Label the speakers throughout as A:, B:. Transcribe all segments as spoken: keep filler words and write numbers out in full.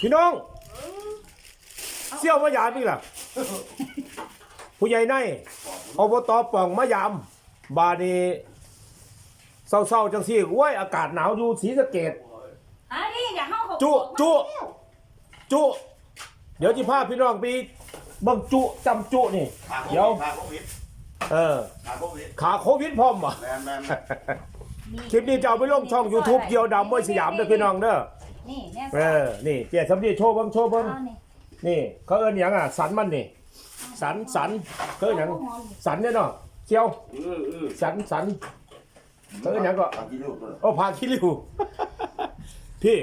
A: พี่น้องเสี่ยวมะยามนี่ล่ะผู้ใหญ่ในอบตป่องมะยามบานีเศร้าๆจังซี่โอ้ยอากาศหนาวอยู่ศรีสะเกษ
B: อันนี้อย่าเข้าเขา
A: จุจุจุเดี๋ยวจิพาพี่น้องไปเบิ่งจุจำจุนี่เดี๋ยว
C: ขาโควิด
A: เออ
C: ขาโควิด
A: ขาโควิดพร้อมบ่
C: แมนแมน
A: คลิปนี้จะเอาไปลงช่อง YouTube เกี่ยวดำมวยสยามเด้อพี่น้องเด้อ
B: นี่แม่
A: เออนี่เกียรติสำลีโชว์เบิ่งโชว์เบิ่ง
B: เอานี่
A: นี่เขาเอิ้นหยังอ่ะสันมันนี่สันสันเขาเอิ้นหยังสันเนี่ยเนาะเชียว
C: เออเออ
A: สันสันเขาเอิ้นหยังก็
C: ทำกินลูกเลย
A: โอ้พาคิริว พี่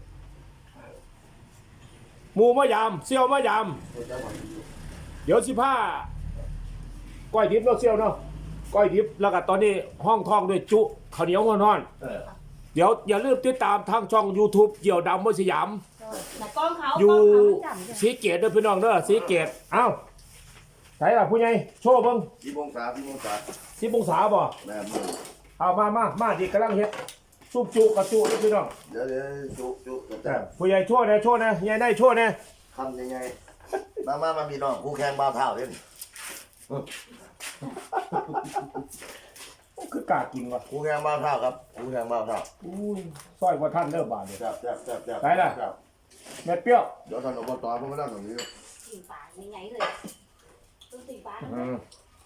A: หมูมะยามเซียวมะยามเดี๋ยวสิผ้าก้อยดิบเนาะเซียวเนาะก้อยดิบแล้วก็ตอนนี้ห้องทองด้วยจุข้าวเหนียวห้อน
C: เออ
A: ๆเดี๋ยวอย่าลืมติดตามทางช่อง YouTube เกี่ยวดำมวยสยาม
B: แต่กล้องเขา
A: อยู่
B: กล้องเขาไม่จำจ้ะ
A: สีเกตเด้อพี่น้องเด้อสีเกตเอ้าไหนล่ะผู้ใหญ่โชว์เบิ่ง
C: ที่มงศาที่มงศา
A: สิบองศาบ่
C: แมน
A: เอามามามาดิกำลังเฮ็ดซุปจุกับจุเด้อพี่น้อง
C: เดี๋ยวเดี๋ยวจุจุกระ
A: เอ
C: จา
A: อผู้ใหญ่โชว์นะโชว์นะใหญ่ได้โชว์นะ
C: ทำยังไงมามามามีน้องคู่แข่งบ้าเท่าเล่น
A: คือกล้ากินว่ะ
C: คู่แข่งบ้าเท่าครับคู่แข่งบ้าเท่า
A: อุ้ยซอยกว่าท่านเด้อบาดเนี่ย
C: แซ่บแซ่บแซ่บแซ่บ
A: ไหนล่ะ แม่เปรี้ยว
C: เดี๋ยวท่านอบตผมไม่ได้ตรงนี้
B: ตีปากยังไงเลยต้องตีปาก
A: อืม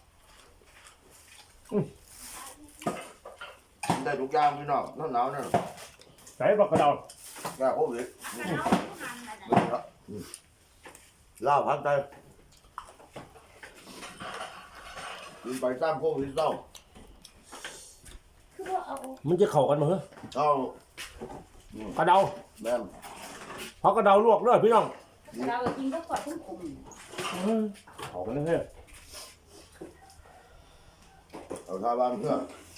C: ได้ทุกอย่างพี่น้องหนาวเนี่ย
A: ใส่บักกระเดา
C: แก้โควิด
B: ถ้าเราทุกอันนะนะ
C: ลาวพันใจกินไปสร้างโควิดเศร้า
B: คือว่าเอา
A: มันจะเข้ากันมั้ย
C: เศร้าก
A: ระเดา
C: แม่น
A: เพราะกระเดาลวกเด้อพี่น้อง
B: เราก็กินก็กดทุ่มคุม
A: อืมเข้ากันเลยเฮ้ย
C: เอาชาวบ้านเพื่อ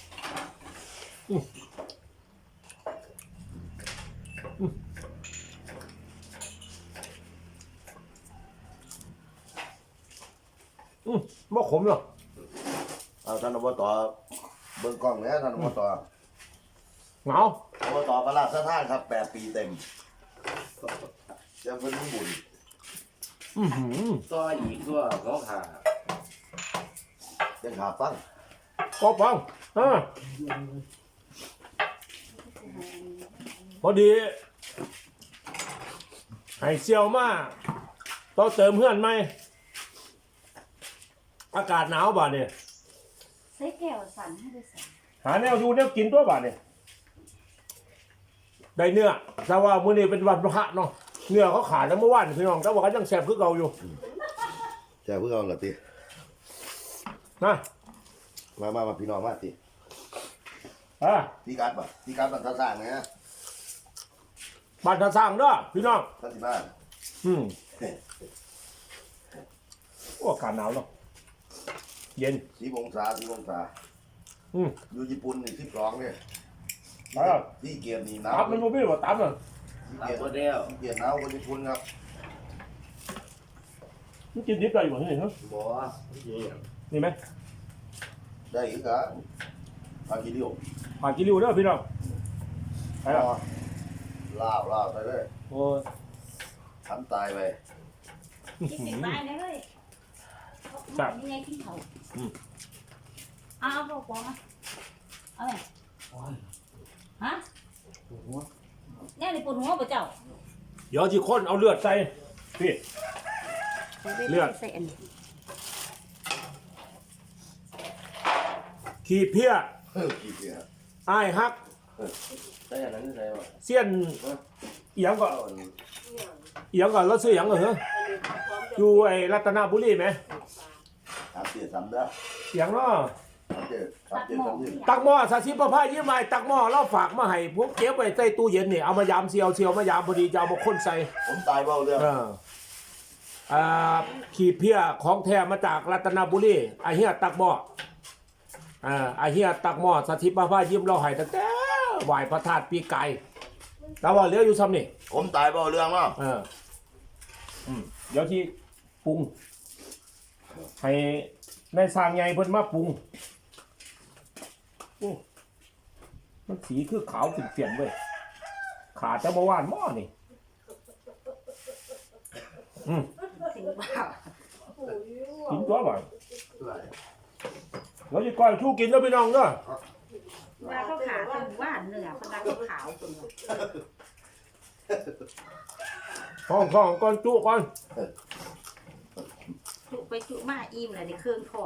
A: อืมบ่ขมหรอก
C: เอาท่านอบตเบิ่งกล้องแล้วท่านอบต
A: เหงา
C: อบตพระราชทานครับแปดปีเต็มยังเป็นบุญ
A: อื้อหือ
D: ก็อีกตัวเขาขา
C: ยังขาฟัง
A: กบฟังอ่าพอดีให้เซียวมาต้องเติมเพื่อนไหมอากาศหนาวบาดเนี่ย
B: ใส่แก้วสั่นให้ด้วยสั่น
A: หาแนวอยู่แนวกินตัวบาดเนี่ยได้เนื้อแต่ว่ามื้อนี้เป็นวันพระเนาะเนื้อเขาขาดแล้วเมื่อวานพี่น้องแต่ว่าก็ยังแซ่บคือเก่าอยู่
C: แจ้เพื่อเอาละติ
A: นะ
C: มามามาพี่น้องมาติ
A: อ่า
C: พี่กัดป่ะพี่กัดมันท่าสร้างนะ
A: บ้านท่าสร้างเด้อพี่น้อง
C: ท่านที่บ้าน
A: อืมโอ้อากาศหนาวเนาะเย็น
C: สีมงศาสีมงศา
A: อืม
C: อยู่ญี่ปุ่นนี่สิบสองเนี่ย
A: อ่า
C: ที่เกียรนี่หนาว
A: ตับมันบ่มีบ่ตับน่ะ
C: ที่
D: ตั
C: เกียร
D: ตัวเดียว
C: ที่เกียรหนาวกว่าญี่ปุ่นครับ
A: มันกินดิบได้อยู่นี่ฮะ
D: บ่เยี่ยม
A: นี่ไหม
C: ได้อีกเหรอพากิริโอ
A: ผ่านกิริวเด้อพี่น้องไปแล้ว
C: ลาวลาวไปเลย
A: โอ้ย
C: ฉันตายไป
B: กินตีปากได้เลยยังไงกินเขาเอาเอาบอกบอกนะเอาไงฮะเนี่ยในปวดหัวปะเจ้า
A: เดี๋ยวสิคนเอาเลือดใส่พี่ เลือด
B: ใส่อันนี้
A: ขี้เพี้ย
C: เฮ้ยกี่เกียร์
A: อ้ายฮัก
D: ใส่อันนั้นใส่ว่า
A: เสี้ยนเอียงก็
D: เอาอัน
A: เอียงก็แล้วซื้อเอียงก็เหรออยู่ไอ้รัตนบุรีไหม
C: สามเจ็ดสามเด้อ
A: เอียงเนาะ
C: สามเจ็ดสามเจ็ดสามเจ็ด
A: ตักหม้อสาธิตประพายยิ้มใหม่ตักหม้อเราฝากมาให้พวกเก็บไว้ใต้ตู้เย็นนี่เอามายามเซียวเซียวมายามพอดีจะเอามาคนใส่
C: ผมตายเบาเรื่อง
A: เอออ่าขี้เพี้ยของแท้มาจากรัตนบุรีไอเฮียตักหม้ออ่าไอเฮียตักหม้อสาธิตประพายยิ้มเราให้ตั้งแต่ไหวพระธาตุปีไก่แต่ว่าเหลืออยู่ซ้ำนี่
C: ผมตายเบาเรื่องเนาะ
A: เอออืมเดี๋ยวที่ปรุงให้ในสร้างใหญ่เพิ่นมาปรุงอู้มันสีคือขาวเปลี่ยนๆเว้ยขาดแต่เมื่อวานหม้อนี่อืม
B: ถึงบ้า
A: กินตัวบ่เราจะก่อยชูกินแล้วพี่น้องเด้อ
B: ว่าเขาขาเป็นว่านเนื้อพนักเขาขาวจน
A: ห้องท้องก่อนจุก่อน
B: จุไปจุมาอิ่มเลยในเครื่องของ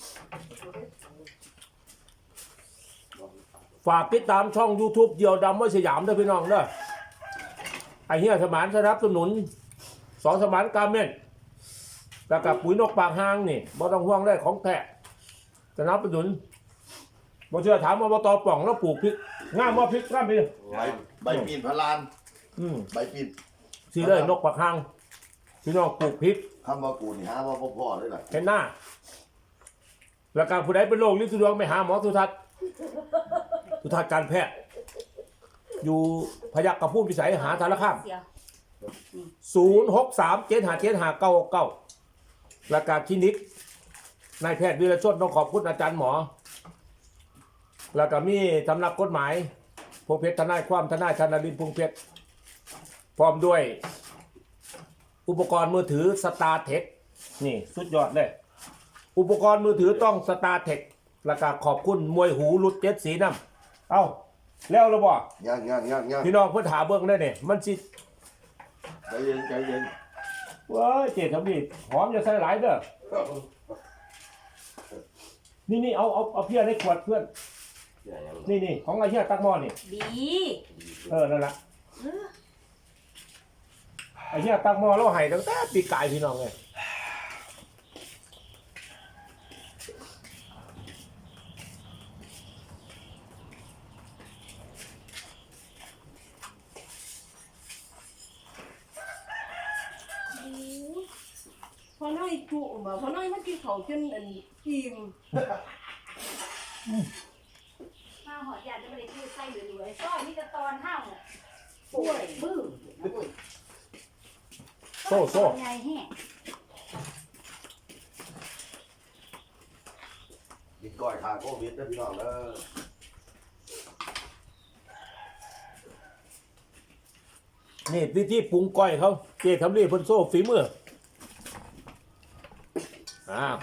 A: ฝากติดตามช่อง YouTube เดียวดำไว้สยามเด้อพี่น้องเด้อไอ้เหี้ยสมานสนับสนุนสองสมานกาเม่นแล้วกับปุ๋ยนกปากหางนี่บ่ต้องห่วงได้ของแท้สนับสนุนบ่เชื่อถามอบตป่องแล้วปลูกพริกงามบ่พริกงามพี่
C: ใบใบปีนพะลาน
A: อืม
C: ใบปีน
A: สิเลยนกปากหางพี่น้องปลูกพริก
C: คำว่ากูนี่หาว่าพ่อๆด้วยล่ะ
A: เห็นหน้า แล้วการผู้ใดเป็นโรคลิ้นสุดวงไปหาหมอสุทัศน์สุทัศน์การแพทย์อยู่พยัคฆ์กับผู้พิสัยหาสารคาม
B: เสียว
A: ศูนย์หกสามเจ็ดหาเจ็ดหาเก้าเก้าแล้วการคลินิกนายแพทย์วิรชนต้องขอบคุณอาจารย์หมอ แล้วก็มีสำนักกฎหมายพงเพชรทนายความทนายชนลินพงเพชรพร้อมด้วย อุปกรณ์มือถือสตาร์เทคนี่สุดยอดเลย อุปกรณ์มือถือต้องสตาร์เทคแล้วก็ขอบคุณมวยหูรุดเจ็ดสีน้ำเอ้าแล้วเราบอก
C: ย่างย่างย่างย่าง
A: พี่น้องเพื่อถาเบิ้งได้เนี่ยมันสิ
C: ใจเย็นใจเย็น
A: เว้ยเจ็ดทำดีหอมจะใส่หลายเด้อนี่นี่เอาเอาเอาเพี้ยในขวดเพื่อน
D: อย่างนั้น
A: นี่นี่ของไอ้เหี้ยตักหม้อนี่
B: ดี
A: เออนั่นแหละไอ้เหี้ยตักหม้อแล้วให้ตั้งแต่ปีกายพี่น้องเลย
E: พอน้อยจุมาพอน้อยมันกินเขาจนอันอิ่ม
B: ข้าวหอดยาจะไม่ได้พูดไส้รวยๆซ้อยนี่จะตอนห้าวป่วยบื้อ
A: โซ่โซ่
B: ไงแห้ง
C: กินก้อยขาโควิดนะพี่น้องเด้อ
A: นี่ที่ที่ปรุงก้อยเขาเจ๊ทำรีเพิ่นโซ่ฝีมืออ่า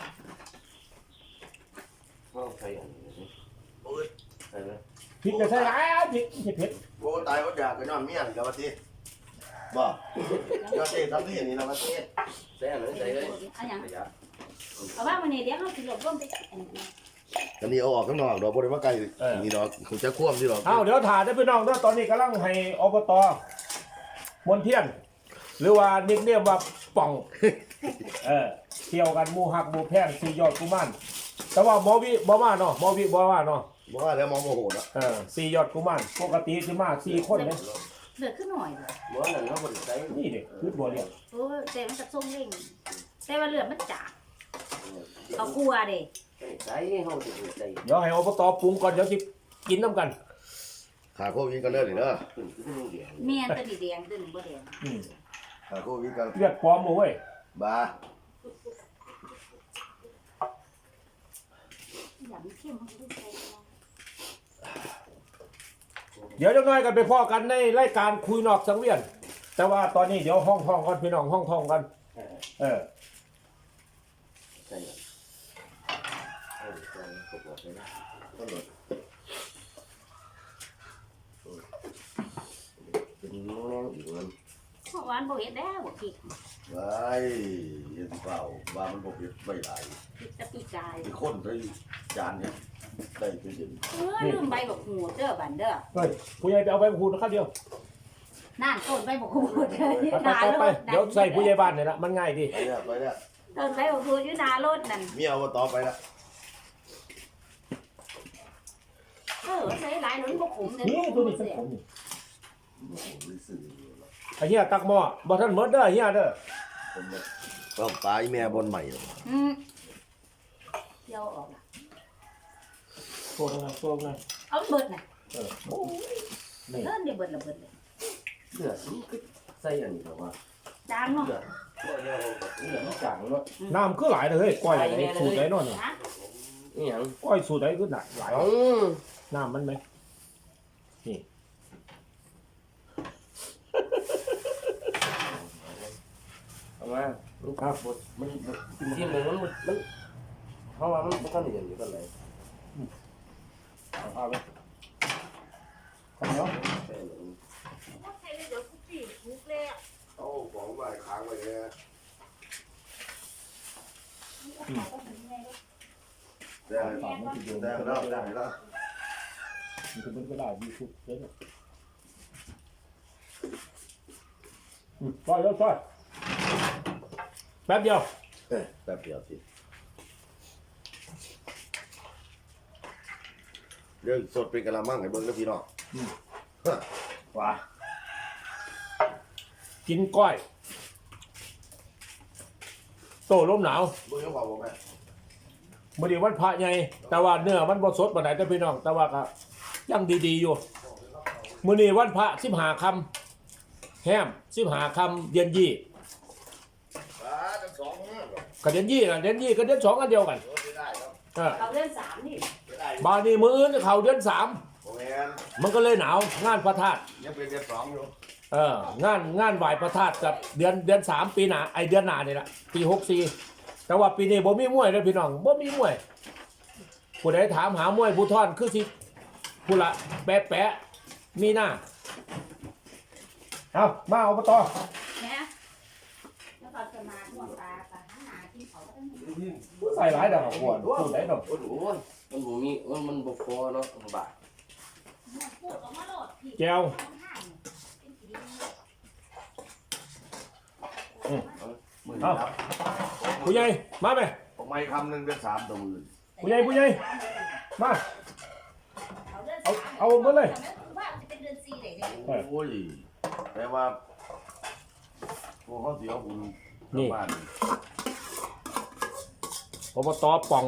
D: ต้องใส่อย่างนี้
C: โอ้ย
D: ใช่ไหม
A: พริกจะใส่หลายพริกเผ็ดเผ็ด
C: โอ้ตายก็อยากก็ย้อนเมียนกับว่าทีบ่ยอดเต้ทำนี่นี่นะว่าที
D: ใส่อันนั้นใส่เลย
B: เอาอย่าง
D: ประหยัด
B: เอาว่าวันนี้เดี๋ยวเขาสิหลบร่มไปอันนี้
C: อันนี้เอาออกข้างนอกดอกบ่ได้มาไกลนี่ดอกผมจะควมที่ดอก
A: เอาเดี๋ยวถ่ายได้พี่น้องเด้อตอนนี้กำลังให้อบตมนเทียน หรือว่านิกเนียมว่าป่องเออเที่ยวกันหมู่หักหมู่แพงสี่ยอดกุมารแต่ว่าหมอวิบ่มาเนาะหมอวิบ่มาเนาะ
C: บ่ว่าแล้วมองโมโหนะ
A: เออสี่ยอดกุมารปกติสิมาสี่คนเลย
B: เดือดขึ้นหน่อยเลย
D: หม้อนั่นเขาบริใส่
A: นี่เด็กคือบัวเรียง
B: โอ้แต่มันจะทรงเร่งแต่ว่าเลือดมันจ่าเอากลัวเด้
D: ใส่เขาจะใส่
A: เดี๋ยวให้อบตปรุงก่อนเดี๋ยวสิกินน้ำกัน
C: ขาโควิดกันเด้อนี่เด้อ
D: ขึ้นขึ้นเดียว
B: เมียนตัวดีแดงตัวหนึ่งบ่แดง
A: อืม
C: ขาโควิดกัน
A: เลือดปลอมบ่เว้ย
C: บ้า
B: อยากมีเข้มเขาจะได้ใช้
A: เดี๋ยวจะน้อยกันไปพ่อกันในรายการคุยนอกสังเวียน แต่ว่าตอนนี้เดี๋ยวห้องท่องกันพี่น้องห้องท่องกันเออ
D: ใส่เออใส่กบใส่นะ
C: ต้นหลด
D: เป็นแรงอีกมัน
B: เพราะวานบ่เฮ็ดแล้วบ่ผิด
C: ไว้เฮ็ดเปล่าว่ามันบ่เฮ็ดไม่หลาย
B: ผิดแตะปีกาย
C: มีคนได้จานเนี่ยได้เป็นเดือน
B: เออลืมใบบักหูดเด้อบันเด้อ
A: เฮ้ยผู้ใหญ่ไปเอาไปพูดนะครับเดียว
B: นั่นต้นใบบักหูดเด้ออยู่
A: ไป
B: หน้า
A: ไป
B: ร
A: ไป
B: ถ
A: เดี๋ยวใส่ผู้ใหญ่บ้านเนี่ยละมันง่ายดี
C: ไปเนี่ยไปเนี่ย
B: ต้นใบบักหูดอยู่หน้ารถนั่น
C: เมียเอาต่อไปละ
B: เออใส่หลายหนุนบ่ขมเด้อ
A: นี่ตัวนี้เป็นผมนี่
C: โอ้โหไม่ซื้อ
A: ไอ้เหี้ยตักหม้อบ่ทันหมดเด้อเหี้ยเด้อ
C: ผมเนี่ยต้องตายแม่บนใหม่
B: อืมเดี๋ยวออกล่ะ
A: โทษนะโทษนะ
B: เอาเบิดน่ะ
A: เออโอ้ยนี่
B: เออนี่เบิดละเบิดเลย
D: เลือดใส่อันนี้แต่ว่า
B: จางเนาะ
D: เลือดเลือดเลือดมันจางเนาะ
A: น้ำคือหลายเลยเฮ้ยก้อยไอ้สูตรไหนเนาะนี่
B: ฮะ
D: นี่หยัง
A: ก้อยสูตรไหนคือหลายหลาย
D: เอ้า
A: น้ำมันไหมนี่
D: มาลูกครับมันที่มันมันมันเพราะว่ามันมันก็เหนื่อยอยู่กันเลย
A: เอาไปข้าวเหนียว
B: ใช่เลยเดี๋ยวคุกกี้คุกเลย
C: เอาของไว้ค้างไว้เนี่ย ได้
A: ต่อมันติดอยู่
C: ได้แล้วได้แล้ว
A: มันจะเป็นก็ได้ดีสุดเลยเนี่ยอืมซอยแล้วซอยแป๊บเดียว
C: เอ้ยแป๊บเดียวสิเรื่องสดเป็นกะละมังให้เบิ่งนะพี่น้อง
A: ว้ากินก้อย โตลมหนาว
C: เบิ่งยังพอบ่แม่
A: มื่อดีวันพระใหญ่แต่ว่าเนื้อมันบ่สดปานใดเด้อพี่น้อง แต่ว่าก็ยังดีๆอยู่มื้อนี้วันพระสิบห้าค่ำแฮมสิบห้าค่ำเดือนยี่
C: อ่าทั้งสองเนี่ยเหรอ
A: ก็เดือนยี่น่ะเดือนยี่ก็เดือนสองอันเดียวกัน
C: โอ้ไม่ได้ครับ
A: เออ
B: เอาเรื่องสามนี่
C: ไม่ได้
A: บาดนี้มื้ออื่นเข้าเดือนสาม
C: บ่แม่น
A: มันก็เลยหนาวงานพระธาตุ
C: ยังเป็นเดือนสองอยู่
A: เอองานงานไหว้พระธาตุกับเดือนเดือนสามปีหน้าไอเดือนหน้านี่แหละปีหกสี่แต่ว่าปีนี้บ่มีมวยเลยพี่น้องบ่มีมวยผู้ใดถามหามวยผู้ท่อนคือสิผู้ละแปะแปะมีหน้าเอามาเอามาต่อ
B: แม่แล้วก็จะมาทั่วตาตาหาที่เขาต้องมี
A: ใส่หลายดอกขวดพูดได้ดอก
D: โอ้โหมันบ่มีมันมันบ่พอเนาะบาท
B: พูดออกมาโหลดพี่
A: แก้ว
C: มื้อ
A: เอา
C: นี้ครับ
A: ผู้ใหญ่มาไหม
C: ผมไม่คำหนึงเดือนสามตัวมื่น
A: ผู้ใหญ่ผู้ใหญ่มา เอาเอาหมดเลย
B: ว่าจะเป็นเดือนสี่เลยเนี่ย
C: โอ้ยแต่ว่าพวกเขาเสียบุญกลับบ้าน
A: อบตป่อง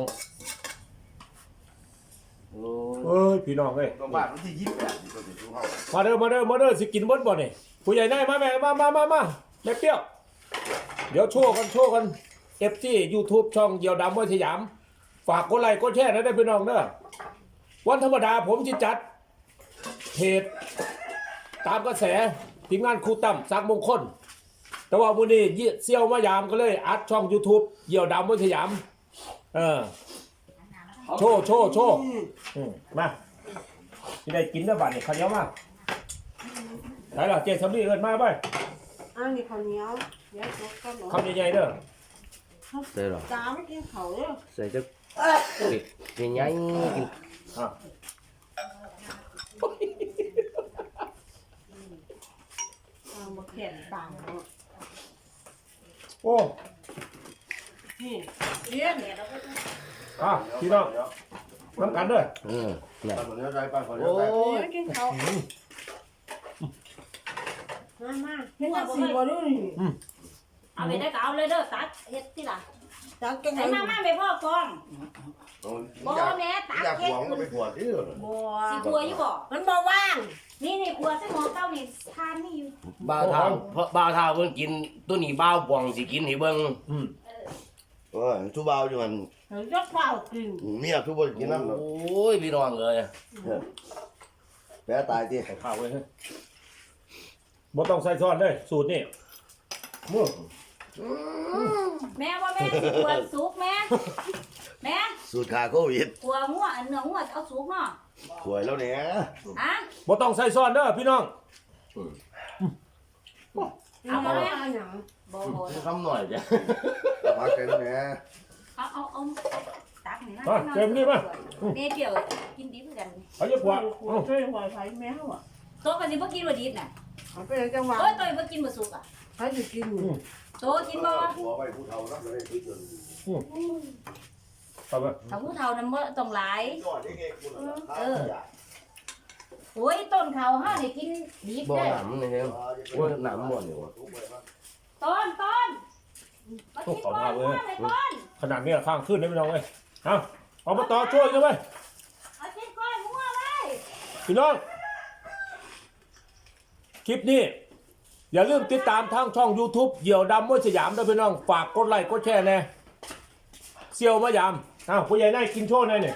D: โอ้
A: เอ้ยพี่น้องเอ้ย
C: กลับบ้านวันที่ยี่สิบแปดนี่ก็จะชูเขา
A: มาเด้อมาเด้อมาเด้อสิกินเบดบ่นี่ผู้ใหญ่ได้มาแม่มามามามาแม่เปรี้ยวเดี๋ยวโชว์กันโชว์กันเอฟซียูทูบช่องเดียวดำมวยสยาม ฝากกดไลค์กดแชร์นะได้อพี่น้องเด้อวันธรรมดาผมจะจัดเพจตามกระแสทีมงานครูตั้มสักมงคลแต่ว่าวันนี้ยี่เซี่ยวมายามก็เลยอัดช่อง YouTube เดี่ยวดำมวยสยามเออโชว์โชว์โชว์อืมมาที่ได้กินได้บัดนี่ข้าวเหนียวมาไหนล่ะเจ๊สำลีเอินมาไป
E: อันนี้ข้าวเหนียวเดี๋ยวจบกันเนาะ
A: คำใหญ่ๆเด้อ
D: ใส่หรอ
E: ตาไม่กินข้าวเลย
D: ใส่จักกินใหญ่กิน
A: อ่ะ
E: เอามาแข่งต่างเนาะ
A: โอ้
E: นี่เลี้ยน
A: อ่ะพี่น้องน้ำกันเด้อ
D: เออน่ะ
C: ป้าคนนี้ใจป้าคนนี้
D: โอ้
C: ใจ
E: โอ้
D: ย
E: ยกินข้าวมามาเฮ็ดจังซี่บ่ดูนี่
B: เอาไปได้ก็เอาเลยเด้อตัดเฮ็ดที่ล่ะ
E: จังจังได๋
B: ไอ้มามาไปพ่อกอง
C: บ่
B: บ่แม่ตัด
C: อยาก
B: เฮ็
C: ห
B: ด
C: วงก็ไปปวดที่เลย
E: บ่
B: สิกลัวอยู่บ่
E: มันบ่ว่าง
B: นี่นี่กลัวใส่หมอเก้านี่ทานนี่อยู่
D: บ่าวเท่าเพราะบ่าวเท่าเพิ่นกินตัวนี้บ่าวป่องสิกินให้เบิ่ง
A: อืม
C: เออทุบ่าวอยู่มัน
E: เฮ้ยจักข้าวกิน
C: เมียทุบ่กินน้ำ
D: โอ้ยพี่น้องเอ้ย
C: แพ้ตายที่
A: ใส่ข้าวไว้เฮ้ยบ่ต้องใส่ซ้อนเลยสูตรนี่มือ
B: แม่ว่าแม่สิกลัวสุกแม่แม่
C: สูตรขาโควิด
B: กลัวหัวอันเนื้อหัวเอาสุกเนาะ
C: สวยแล้วเนี่ย
B: ฮะ
A: บ่ต้องใส่ซ้อนเด้อพี่น้อง
E: เอามาหยัง
B: บ่บ่
D: คำหน่อยจ้ะ
C: พักใจแล้วเนี่ย
B: เอาเอาเอาตักนี่นะ
A: มาเต็มนี่มา
B: แม่เกี่ยวกินดิบคือกัน
A: เอาเยอะกว่า
E: โอ้ยช่วยหอยไผแมวอ่ะ
B: โตก็สิบ่กินบ่ดิบน่ะ
E: เอาไปจังหวะ
B: โอ้ยโตบ่กินบ่สุกอ่ะ
E: ใครสิกิน
B: โตกินบ่
C: หัวไปผู้เฒ่านักเลยที่จน
A: เอาไป
B: ถ้าผู้เฒ่านั้นบ่ต้องหลาย
C: ยอดที่เก่งคุณเออ
B: โอ้ยต้นเขาเฮานี่กินดิบ
D: บ่
B: ได้
D: หนำนี่ครับโอ้ยหนำหมดนี่ว่ะ
B: ต้นต้นมากินก่อนว่าไปต้น
A: ขนาดนี้ข้างขึ้นได้พี่น้องเอ้ยเอาเอามาต่อช่วยกันไป
B: มากินก่อนหัวเลย
A: พี่น้องคลิปนี้อย่าลืมติดตามทางช่อง YouTube เหยี่ยวดำมวยสยามด้วยพี่น้องฝากกดไลค์กดแชร์แน่เซียวมายามอ้าวผู้ใหญ่ได้กินโชว์หน่อยนี่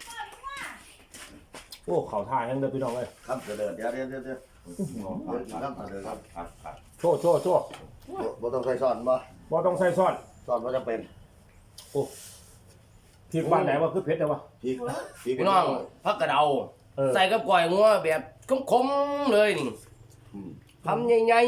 A: โอ้เข่าท่ายังเด้อพี่น้องเอ้ย
C: คำเสด็จเดี๋ยวเดี๋ยวเดี๋ยวเดี๋ยวคำเสด็จครับ
A: โชว์โชว์โชว์
C: บ่ต้องใส่ซ่อนบ่
A: บ่ต้องใส่ซอส
C: ตอนมันจะเป็น
A: พริกบ้านไหนว่าคือเผ็ดแต่ว่า
C: พริกพริก
F: พี่น้องผักกระเดา
A: เออ
F: ใส่กับก้อยงัวแบบคมๆเลยนี่
C: อืม
F: ทำใหญ่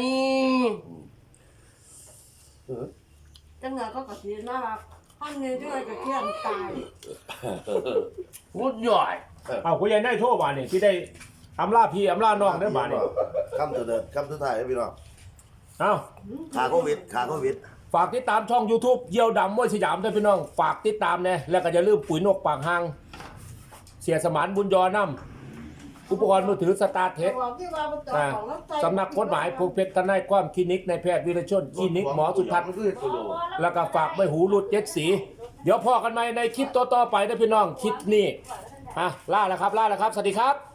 E: จังหวะก็กระเทียมน่ารักท่านเนี่ยจังหวะกระเทียมตาย
F: ๆวุ้ดย่อย
A: เอาผู้ใหญ่นายโทรมานี่ที่ได้อำลาพี่อำลาน้องได้อบาดนี่
C: คำตัวเดิมคำสุดท้ายให้พี่น้อง
A: เอา
C: ขาโควิดขาโควิด
A: ฝากติดตามช่อง YouTube เยี่ยวดำมวยสยามด้วยพี่น้อง ฝากติดตามแน่แล้วก็อย่าลืมปุ๋ยนกปากหางเสียสมานบุญยอน้ำอุปกรณ์มือถือสตาร์เทค
E: บอกที่ว่ามันจะ
A: อ่า
E: ของน้ำใจ
A: สำนักกฎหมายพงเพชรทนายความคลินิกในแพทย์วิรชนคลินิกหมอสุทัศน์แล้วก็ฝากไม่หูรุดเจ็ดสี เดี๋ยวพอกันไหมในคลิปต่อๆไปนะพี่น้องคลิปนี้อ่ะล่าแล้วครับล่าแล้วครับ สวัสดีครับ